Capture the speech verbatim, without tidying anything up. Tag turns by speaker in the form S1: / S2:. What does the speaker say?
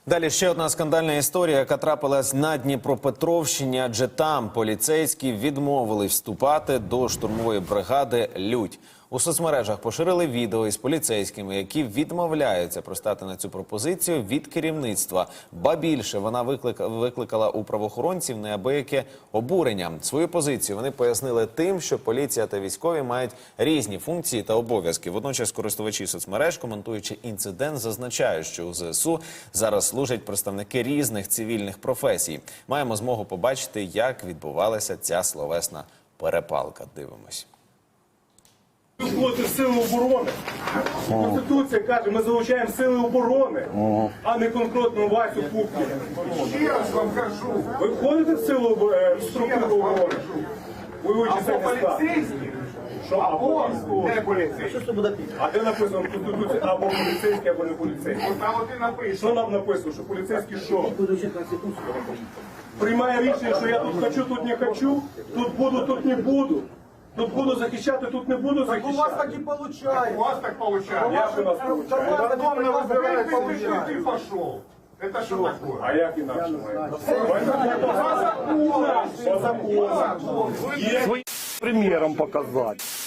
S1: Далі ще одна скандальна історія, яка трапилась на Дніпропетровщині, адже там поліцейські відмовили вступати до штурмової бригади «Людь». У соцмережах поширили відео із поліцейськими, які відмовляються пристати на цю пропозицію від керівництва. Ба більше, вона виклика, викликала у правоохоронців неабияке обурення. Свою позицію вони пояснили тим, що поліція та військові мають різні функції та обов'язки. Водночас користувачі соцмереж, коментуючи інцидент, зазначають, що у ЗСУ зараз служать представники різних цивільних професій. Маємо змогу побачити, як відбувалася ця словесна перепалка. Дивимось.
S2: Ви входите в сили оборони. Конституція каже, ми залучаємо сили оборони, а не конкретно Васю Пупкіна.
S3: Ще раз вам кажу.
S2: Ви входите в силу оборони, в структуру оборони? Ви
S3: Або
S2: вичисляєте склад.
S3: поліцейські,
S2: Що?
S3: або не поліцейські.
S2: А де написано в Конституції або поліцейський, або не поліцейський?
S3: От там от і написано.
S2: Що нам написано, що поліцейський що? Приймає рішення, що я тут хочу, тут не хочу, тут буду, тут не буду. Тут буду захищати, тут не буду
S4: У вас
S2: захищати.
S4: так и получается.
S3: У вас так получается.
S2: Як у нас
S4: У
S2: виходить?
S4: вас
S3: Потом
S4: так
S3: выбирает,
S4: и
S3: ты
S4: получается.
S3: пошел. Это что такое?
S2: А як інакше має? По закону. По закону. Є примером показати.